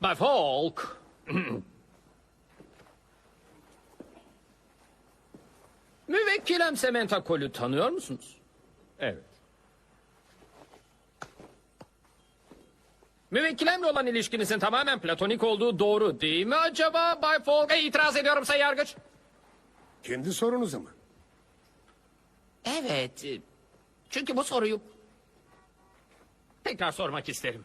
Bay Falk. Müvekkilem Samantha Cole'u tanıyor musunuz? Evet. Müvekkilemle olan ilişkinizin tamamen platonik olduğu doğru değil mi acaba Bay Falk? İtiraz ediyorum Sayın Yargıç. Kendi sorunuza mı? Evet. Çünkü bu soruyu tekrar sormak isterim.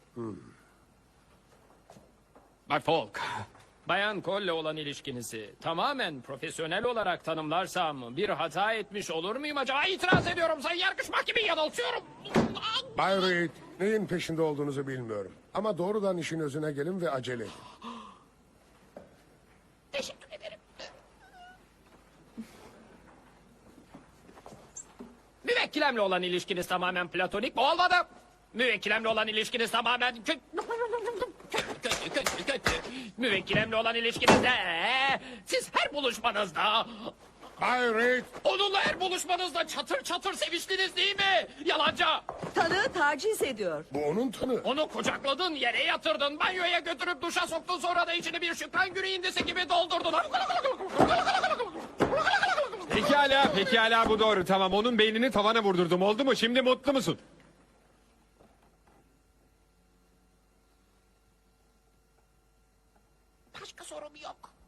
Bay Falk, Bayan Cole'le olan ilişkinizi tamamen profesyonel olarak tanımlarsam bir hata etmiş olur muyum acaba? İtiraz ediyorum Sayın Yargıç, mahkemeyi yanıltıyorum. Bay Reed, neyin peşinde olduğunuzu bilmiyorum. Ama doğrudan işin özüne gelin ve acele edin. Teşekkür ederim. Müvekkilemle olan ilişkiniz tamamen platonik mi olmadı? Müvekkilemle olan ilişkiniz tamamen kötü. Müvekkilemle olan ilişkinizde siz her buluşmanızda Bay Reed, onunla her buluşmanızda çatır çatır seviştiniz değil mi? Yalancı. Tanığı taciz ediyor. bu onun tanığı. Onu kucakladın, yere yatırdın, banyoya götürüp duşa soktun, sonra da içini bir Şükran Günü indisi gibi doldurdun. Pekala bu doğru. Tamam, onun beynini tavana vurdurdum. Oldu mu? Şimdi mutlu musun? Başka sorum yok.